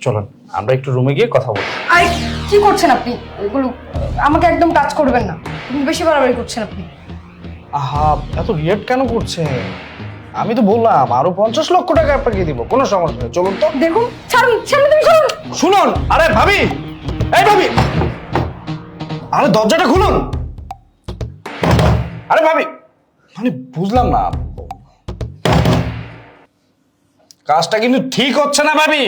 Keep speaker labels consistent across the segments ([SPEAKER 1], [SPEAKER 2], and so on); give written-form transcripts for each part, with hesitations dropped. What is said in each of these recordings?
[SPEAKER 1] চলুন আমরা একটু রুমে গিয়ে কথা বলি।
[SPEAKER 2] আরে কি করছেন আপনি? এগুলো আমাকে একদম টাচ করবেন না, কিন্তু বেশি বাড়াবাড়ি করছেন আপনি।
[SPEAKER 1] আহা, এত রিয়েক্ট কেন করছে? আমি তো বললাম আরো 50 লক্ষ টাকা আপনাকে দিব, কোনো সমস্যা নেই, চলুন তো।
[SPEAKER 2] দেখুন, ছাড়ুন, সামনে তুমি ছাড়ুন।
[SPEAKER 1] শুনুন, আরে ভাবি, এই ভাবি, আরে দরজাটা খুলুন। আরে ভাবি, মানে বুঝলাম না, কাজটা কিন্তু ঠিক হচ্ছে না ভাবি।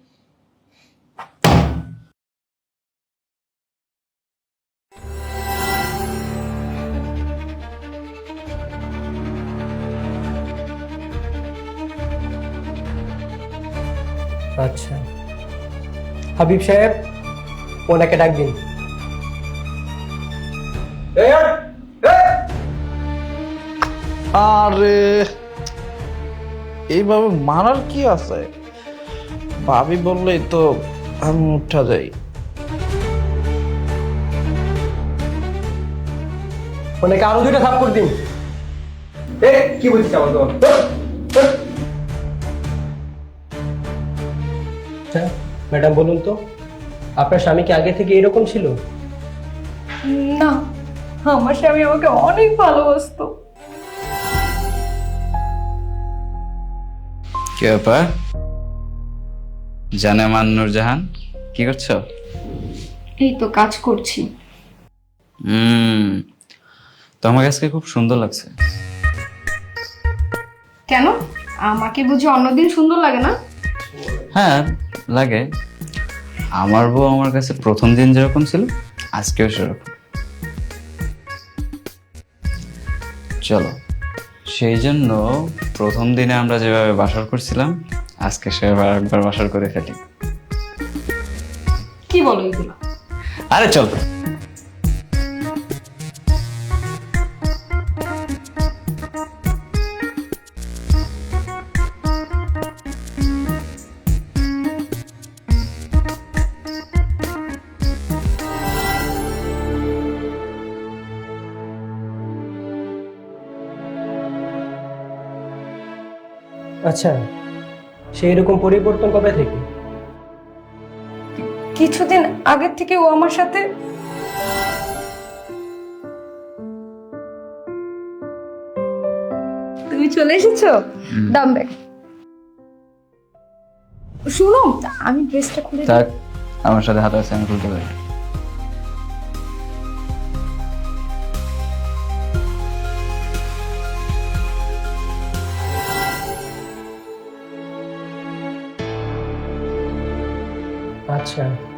[SPEAKER 3] আচ্ছা, হাবিব সাহেব ওনাকে ডাক দিন।
[SPEAKER 1] আরে এইভাবে মারার কি আছে? ভাবি বললেই তো আমি উঠা যাই।
[SPEAKER 3] ওনাকে আরো 2টা থাপ্পড় দিন। কি বলছিস আমার তো? আচ্ছা ম্যাডাম, বলুন তো আপনার স্বামী কি আগে থেকে এরকম ছিল?
[SPEAKER 2] না, আমার স্বামী আমাকে অনেক ভালোবাসতো।
[SPEAKER 4] কি ব্যাপার জানেমান নূরজাহান, কি করছো?
[SPEAKER 2] এই তো কাজ করছি।
[SPEAKER 4] তোমার আজকে খুব সুন্দর লাগছে।
[SPEAKER 2] কেন, আমাকে বুঝি অন্যদিন সুন্দর লাগে না?
[SPEAKER 4] হ্যাঁ লাগে, আমার বউ আমার কাছে প্রথম দিন যেরকম ছিল আজকেও সেরকম। চলো, সেই জন্য প্রথম দিনে আমরা যেভাবে বাসর করছিলাম আজকে সেভাবে একবার বাসর করে ফেলি।
[SPEAKER 2] কি বলো এগুলো?
[SPEAKER 4] আরে চল।
[SPEAKER 3] আচ্ছা, সেই রকম পরিবর্তন কবে থেকে?
[SPEAKER 2] কিছুদিন আগের থেকে ও আমার সাথে তুমি চলে এসেছো। দাম ব্যাগ শুনো, আমি ড্রেসটা খুলে দিই।
[SPEAKER 4] থাক, আমার সাথে হাত আছে, আমি খুলতে পারি।
[SPEAKER 3] আচ্ছা,